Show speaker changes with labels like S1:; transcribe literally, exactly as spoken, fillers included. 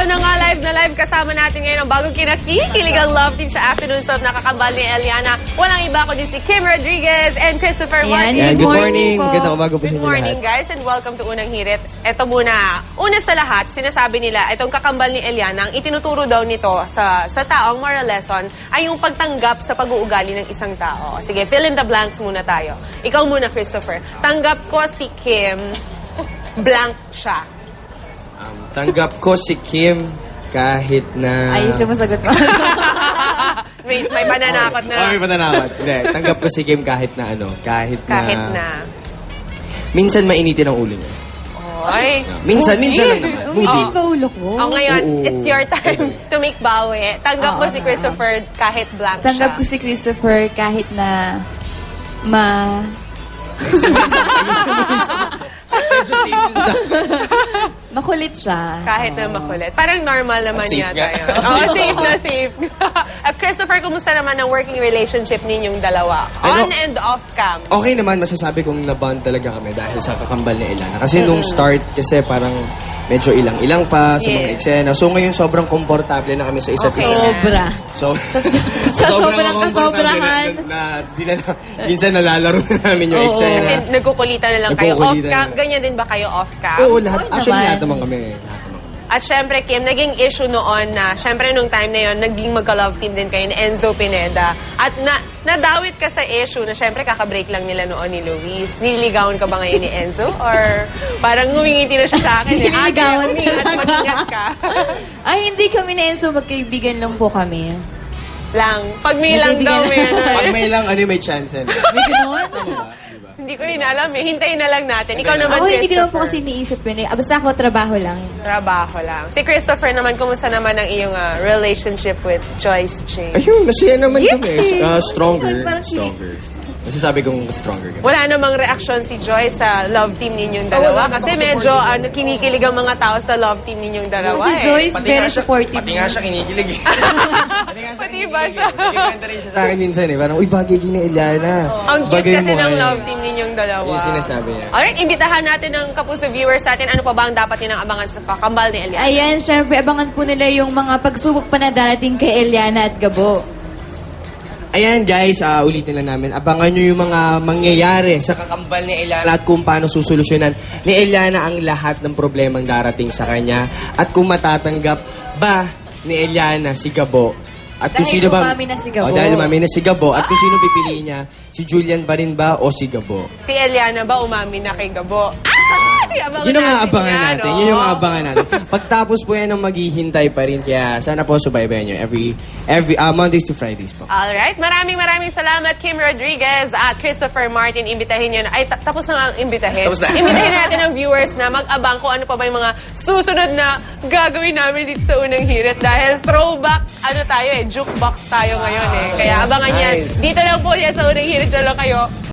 S1: Eto na nga, live na live kasama natin ngayon ang bagong kinakikiligang love team sa afternoon soap na kakambal ni Eliana. Walang iba kundi si Kim Rodriguez and Christopher Martin.
S2: Ayan, good morning.
S3: po.
S2: Magandang umaga po sa
S1: Good
S2: inyo
S1: morning,
S2: lahat.
S1: guys, and welcome to Unang Hirit. Eto muna, una sa lahat, sinasabi nila, itong kakambal ni Eliana, ang itinuturo daw nito sa sa taong moral lesson ay yung pagtanggap sa pag-uugali ng isang tao. Sige, fill in the blanks muna tayo. Ikaw muna, Christopher. Tanggap ko si Kim, blank siya.
S2: Um, tanggap ko si Kim kahit na...
S3: Ay, sumusagot mo.
S1: may, may pananakot na.
S2: Oh, may pananakot. Hindi, tanggap ko si Kim kahit na ano, kahit na...
S1: Kahit na.
S2: Minsan mainitin ang ulo niya.
S1: Oy.
S2: Minsan, minsan lang naman. Moody.
S3: Hindi ba ulo ko?
S1: Oh, ngayon,
S2: Oo.
S1: it's your time to make bawi. Tanggap mo
S3: Oo
S1: si
S3: na.
S1: Christopher kahit blank
S3: Tanggap
S1: siya.
S3: ko si Christopher kahit na ma... makulit siya.
S1: Kahit na makulit. Parang normal naman
S2: Safe
S1: yata
S2: nga.
S1: yun. Oo, safe na safe. At Christopher, kumusta naman ang working relationship ninyong dalawa?
S2: Ano?
S1: On and off cam.
S2: Okay naman, masasabi kong nabond talaga kami dahil sa kakambal ni Eliana. Kasi nung start, kasi parang medyo ilang-ilang pa sa mga
S1: Yes.
S2: eksena. So ngayon, sobrang komportable na kami sa isa't
S1: Okay.
S2: isa.
S3: Sobra.
S2: So,
S3: sa sobrang
S2: komportable
S3: kasobrahan.
S2: Na, na, di na, minsan nalalaro na namin yung
S3: Oo.
S2: eksena.
S1: And nagkukulitan na lang kayo off
S2: Nagkukulitan
S1: cam.
S2: na.
S1: Ganyan din ba kayo off cam?
S2: Oo, lahat.
S3: Oo
S2: Actually,
S3: naman.
S2: lahat naman kami. Lahat naman.
S1: At syempre, Kim, naging issue noon na, syempre nung time na yon naging magka-love team din kayo ni Enzo Pineda. At na, nadawit ka sa issue na syempre kakabreak lang nila noon ni Luis. Nililigawan ka ba ngayon ni Enzo? Or parang ngumingiti na siya sa akin eh. Ah,
S3: Nililigawan
S1: umingat,
S3: talaga.
S1: mag-ingat ka.
S3: Ay, hindi kami na Enzo. Magkaibigan lang po kami.
S1: lang. Pag may lang daw, may ano
S2: Pag
S1: eh.
S2: may lang, ano may chance eh.
S3: May gano'n?
S1: Hindi ko rin alam eh. Hintayin na lang natin. Ikaw naman,
S3: Ako, hindi ko naman po
S1: Christopher.
S3: kasi iniisip yun. eh. Ah, Basta ako, trabaho lang.
S1: Trabaho lang. Si Christopher naman, kumusta naman ang iyong ah, relationship with Joyce Ching?
S2: Ayun, masaya naman kami.
S1: Yay!
S2: Uh, stronger.
S3: Parang si-
S2: Stronger. Masasabi kong stronger kami.
S1: Wala namang reaksyon si Joyce sa love team ninyong dalawa kasi medyo ano, kinikilig ang mga tao sa love team ninyong dalawa
S3: Si
S1: eh.
S3: Joyce, very supportive.
S2: Pati nga siya kinikilig eh.
S1: Pati ba siya?
S2: Nagkikwenta rin siya sa akin minsan eh. Parang, uy, bagay kini Eliana.
S1: Ang cute
S2: Bagay
S1: kasi
S2: mo,
S1: ng
S2: ay.
S1: love team ninyong dalawa.
S2: Yung sinasabi niya.
S1: Alright, imbitahan natin ang kapuso viewers natin. Ano pa ba ang dapat nilang abangan sa kakambal ni Eliana?
S3: Ayan, syempre, abangan po nila yung mga pagsubok pa na darating kay Eliana at Gabo.
S2: Ayan guys, ah, ulitin lang namin. Abangan nyo yung mga mangyayari sa kakambal ni Eliana at kung paano susolusyonan ni Eliana ang lahat ng problemang darating sa kanya. At kung matatanggap ba ni Eliana si Gabo. At kung
S3: Dahil
S2: sino ba,
S3: umami na si Gabo.
S2: Oh, dahil umami na si Gabo. At kung sino pipiliin niya, si Julian pa rin ba o si Gabo?
S1: Si Eliana ba umamin na kay Gabo? Ay! Abangan
S2: Yun ang
S1: natin
S2: aabangan
S1: yan,
S2: natin.
S1: oh.
S2: Yun yung aabangan natin. Pagtapos po yan ang maghihintay pa rin. Kaya sana po subaybayan nyo every, every uh, Mondays to Fridays po.
S1: Alright, maraming maraming salamat Kim Rodriguez at Christopher Martin. Imbitahin nyo na, ay ta- tapos na nga ang imbitahin.
S2: Tapos na.
S1: Imbitahin natin ang viewers na mag-abang kung ano pa ba yung mga susunod na gagawin namin dito sa Unang Hirit. Dahil throwback, ano tayo eh, jukebox tayo ngayon eh. Kaya abangan yan.
S2: Nice.
S1: Dito lang po yan sa Unang Hirit. Diyan lang kayo.